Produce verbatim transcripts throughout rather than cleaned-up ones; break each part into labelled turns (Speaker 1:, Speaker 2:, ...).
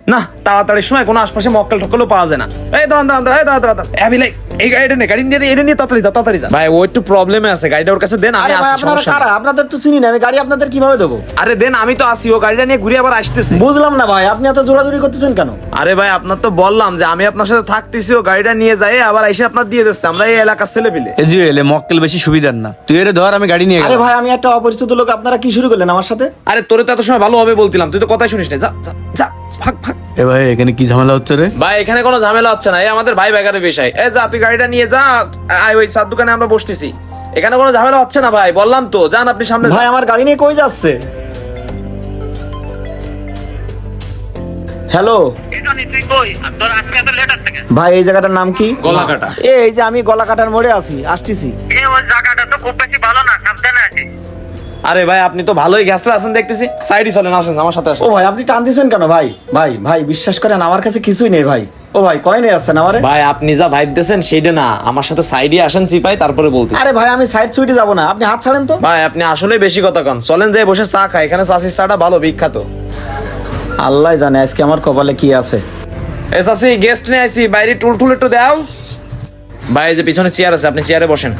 Speaker 1: না তাড়াতাড়ির সময় কোনো আশপাশে মক্কেল টক্কেলও পাওয়া যায় না। এই দাঁড়ান দাঁড়ান দাঁড়ান দাঁড়ান দাঁড়ান আমি লাইক এই গাড়িটা নে গাড়ি নিয়ে এটা নিয়ে তাড়াতাড়ি যা তাড়াতাড়ি যা। ভাই ও একটু প্রবলেমে আছে, গাড়িটা ওর কাছে দেন, আমি
Speaker 2: আরে ভাই
Speaker 1: আসছি।
Speaker 2: আপনারা
Speaker 1: সমস্যা
Speaker 2: কারা?
Speaker 1: নেই।
Speaker 2: আপনাদের তো চিনি না আমি, গাড়ি আপনাদের কিভাবে দেবো?
Speaker 1: আরে দেন, আমি তো আসি, ও গাড়িটা নিয়ে ঘুরে আবার আসতেছে।
Speaker 2: বুঝলাম না ভাই, আপনি এত জোরাজুরি করতেছেন কেন?
Speaker 1: আরে ভাই আপনার তো বললাম যে আমি আপনার সাথে থাকতেছি, ও গাড়িটা নিয়ে যায় আবার এসে আপনার দিয়ে দিচ্ছে। আমরা এই এলাকার ছেলে পিলে।
Speaker 3: এই যে এলে মক্কেল বেশি সুবিধার না, তুই এর ধর আমি গাড়ি নিয়ে
Speaker 2: আরে
Speaker 3: গেলাম।
Speaker 2: ভাই আমি একটা অপরিচিত লোক, আপনারা কি শুরু করলেন আমার সাথে?
Speaker 1: আরে তোরে তো এত সময় ভালো হবে বলতিলাম, তুই তো কথাই শুনিস না। যা যা যা ভাগ ভাগ।
Speaker 3: এ ভাই এখানে কি ঝামেলা হচ্ছে রে?
Speaker 1: ভাই এখানে কোনো ঝামেলা হচ্ছে না, এই আমাদের ভাই বেকারের বিষয়। এই যা তুই গাড়িটা নিয়ে যা, আয় ওই চার দোকানে আমরা বসতেছি, এখানে কোনো ঝামেলা হচ্ছে না ভাই, বললাম তো। যান আপনি সামনে
Speaker 2: ভাই আমার গাড়ি নিয়ে কই যাচ্ছে? হ্যালো ভাই, এই জায়গাটার নাম কি?
Speaker 1: গলাকাটা।
Speaker 2: এই যে আমি গলাকাটার মোড়ে আছি, আসতেছি।
Speaker 1: আরে ভাই আপনি তো ভালোই গ্যাসলা আছেন দেখতেছি, সাইডই চলেন, আসেন আমার সাথে আসেন।
Speaker 2: ও ভাই আপনি টান দিছেন কেন ভাই? ভাই ভাই বিশ্বাস করেন আমার কাছে কিছুই নেই ভাই। ও ভাই কয় নিয়ে আসছেন আমারে?
Speaker 1: ভাই আপনি যা ভাইব দিতেছেন সেইটা না, আমার সাথে সাইডে আসেন চিপাই, তারপরে বলতেছি।
Speaker 2: আরে ভাই আমি সাইড সুইটে যাবো না, আপনি হাত ছাড়েন তো।
Speaker 1: ভাই আপনি আসলে বেশি কথা কন, চলেন যাই বসে চা খাই, এখানে চাষির চাটা ভালো বিখ্যাত।
Speaker 2: আল্লাহ জানে আজকে আমার কপালে কি আছে।
Speaker 1: এ চাষি গেস্ট নিয়ে আইছি, বাইরে টুল টুল একটু দাও। ভাই এই যে পিছনে চেয়ার আছে, আপনি চেয়ারে বসেন।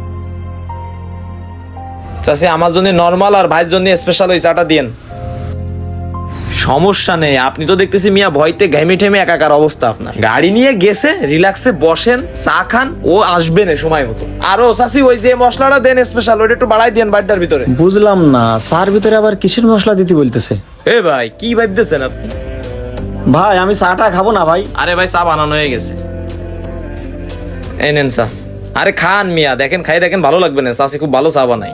Speaker 1: চাষি আমার জন্য নরমাল আর ভাইয়ের জন্য স্পেশাল ওই চাটা দিয়েন। সমস্যা নেই, আপনি তো দেখতেছি মিয়া ভয়তে ঘেমে ঠেমে একাকার অবস্থা আপনার। গাড়ি নিয়ে গেছে, রিল্যাক্সে বসেন, চা খান, ও আসবে না সময় মতো। আরো চাষি ওই যে মশলাটা দেন স্পেশাল, ওইটা একটু বাড়াই দেন বাড়িটার ভিতরে।
Speaker 2: বুঝলাম না চার ভিতরে আবার কিসের মশলা দিতে বলতেছে?
Speaker 1: এ ভাই কি ভাবতেছেন আপনি?
Speaker 2: ভাই আমি চাটা খাবো না ভাই।
Speaker 1: আরে ভাই চা বানানো হয়ে গেছে, এই নেন চা। আরে খান মিয়া, দেখেন খাই দেখেন, ভালো লাগবে না, চাষি খুব ভালো চা বানাই।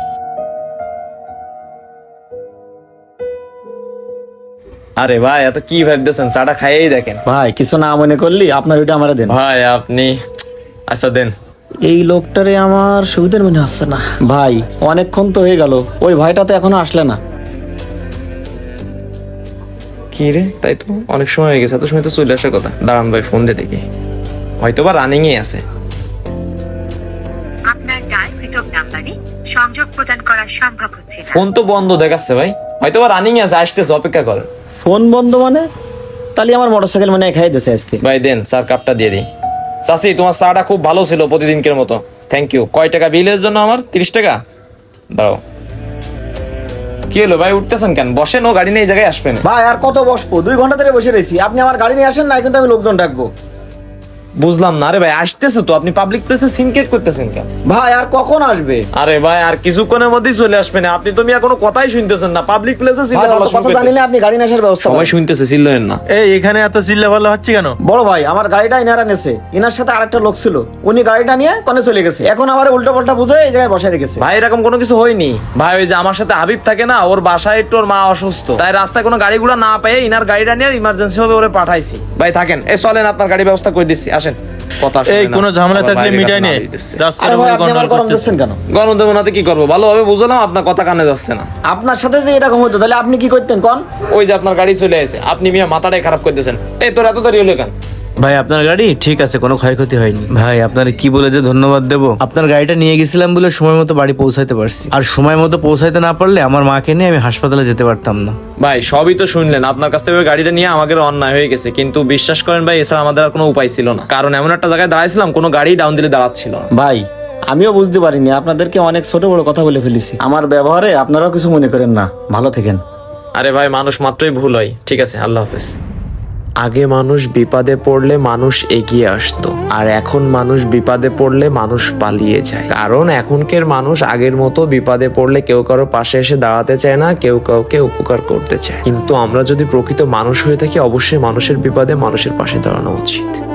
Speaker 1: আরে ভাই এত কি ভাবতেছেন, চাটা খাইয়েই দেখেন।
Speaker 2: ভাই কিছু না মনে করলি আপনার ওইটা আমারে দেন।
Speaker 1: ভাই আপনি আচ্ছা দেন।
Speaker 2: এই লোকটারে আমার সুবিধার মনে হচ্ছে না ভাই, অনেকক্ষণ তো হয়ে গেল, ওই ভাইটা তো এখনো আসলে না।
Speaker 1: কি রে, তাই তো অনেক সময় হয়ে গেছে, এত সময় তো চলে আসার কথা। দাঁড়ান ভাই ফোন দিয়ে দেখি, হয়তো বা রানিং এ আছে।
Speaker 4: আপনার ডায়ালকৃত নাম্বারে সংযোগ প্রদান করা সম্ভব হচ্ছে না।
Speaker 1: ফোন তো বন্ধ দেখাচ্ছে ভাই, হয়তো বা রানিং এ আছে, আসতেছে, অপেক্ষা করেন।
Speaker 2: ফোন বন্ধ মানে? তাহলে আমার মোটরসাইকেল মানে খাই দিয়েছে আজকে।
Speaker 1: ভাই দেন চার কাপটা দিয়ে দিই। চাচি তোমার চাটা খুব ভালো ছিল প্রতিদিনকের মতো, থ্যাংক ইউ। কয় টাকা বিলের জন্য আমার? তিরিশ টাকা দাও। কি হলো ভাই উঠতেছেন কেন? বসেন, ও গাড়ি নিয়ে এই জায়গায় আসবেন।
Speaker 2: ভাই আর কত বসবো, দুই ঘন্টা ধরে বসে রয়েছি, আপনি আমার গাড়ি নিয়ে আসেন না, কিন্তু আমি লোকজন ডাকবো।
Speaker 1: বুঝলাম না। আরে ভাই আসতেছে তো, আপনি পাবলিক প্লেসে সিনকেট করতেছেন কেন?
Speaker 2: ভাই আর কখন আসবে?
Speaker 1: আরে ভাই আর কিছুক্ষণের মধ্যেই চলে আসবেন, আপনি তো মিয়া কোনো কথাই শুনতেছেন না। পাবলিক প্লেসে
Speaker 2: ভাই অত কথা জানি না, আপনি গাড়ি নিয়ে আসার ব্যবস্থা
Speaker 1: সবাই
Speaker 2: করেন।
Speaker 1: শুনতেছে, চিল্লেন না।
Speaker 3: এই এখানে এত চিল্লা ভালো হচ্ছে কেন?
Speaker 2: বড় ভাই আমার গাড়িটা ইনারা নেছে, ইনার সাথে আরেকটা লোক ছিল, উনি গাড়িটা নিয়ে কোনে চলে গেছে, এখন আমার উল্টো পাল্টা বুঝে এই জায়গায় বসে রেখেছে।
Speaker 1: ভাই এরকম কোনো কিছু হয়নি ভাই, ওই যে আমার সাথে হাবিব থাকে না, ওর বাসায় একটু ওর মা অসুস্থ, তাই রাস্তায় কোনো গাড়িগুলো না পেয়ে ইনার গাড়িটা নিয়ে ইমার্জেন্সি ভাবে ওরে পাঠাইছি। ভাই থাকেন, এই চলেন আপনার গাড়ি ব্যবস্থা করে দিচ্ছি, আসেন। কথা
Speaker 3: এই কোনো ঝামেলা থাকলে মিটাই নে।
Speaker 2: আরে ভাই আপনি আমার গরম দিচ্ছেন কেন?
Speaker 1: গরম দেবো নাতে কি করবো, ভালোভাবে বুঝলাম, আপনার কথা কানে যাচ্ছে না।
Speaker 2: আপনার সাথে যে এরকম হতো তাহলে আপনি কি করতেন কোন?
Speaker 1: ওই যে আপনার গাড়ি চলে আসে, আপনি মিয়া মাথাটাই খারাপ করতেছেন। এই তোর এত দেরি হলো কেন?
Speaker 3: ভাই আপনার গাড়ি ঠিক আছে, কোনো ক্ষয়ক্ষতি হয়নি। ভাই আপনার কি বলে যে ধন্যবাদ দেবো, আপনার গাড়িটা নিয়ে গেছিলাম বলে সময় মতো বাড়ি পৌঁছাইতে পারছি, আর সময় মতো পৌঁছাইতে না পারলে আমার মাকে নিয়ে আমি হাসপাতালে যেতে পারতাম না।
Speaker 1: ভাই সবই তো শুনলেন, আপনার কাছ থেকে ওই গাড়িটা নিয়ে আমাদের অন্যায় হয়ে গেছে, কিন্তু বিশ্বাস করেন ভাই এছাড়া আমাদের আর কোনো উপায় ছিল না, কারণ এমন একটা জায়গায় দাঁড়াইছিলাম কোনো গাড়ি ডাউন দিলে দাঁড়াচ্ছিল না।
Speaker 2: ভাই আমিও বুঝতে পারিনি, আপনাদেরকে অনেক ছোট বড় কথা বলে ফেলেছি, আমার ব্যবহারে আপনারাও কিছু মনে করেন না, ভালো থাকেন।
Speaker 1: আরে ভাই মানুষ মাত্রই ভুল হয়, ঠিক আছে, আল্লাহ হাফেজ। আগে মানুষ বিপদে পড়লে মানুষ এগিয়ে আসতো, আর এখন মানুষ বিপদে পড়লে মানুষ পালিয়ে যায়, কারণ এখনকার মানুষ আগের মতো বিপদে পড়লে কেউ কারো পাশে এসে দাঁড়াতে চায় না, কেউ কাউকে উপকার করতে চায়। কিন্তু আমরা যদি প্রকৃত মানুষ হয়ে থাকি অবশ্যই মানুষের বিপদে মানুষের পাশে দাঁড়ানো উচিত।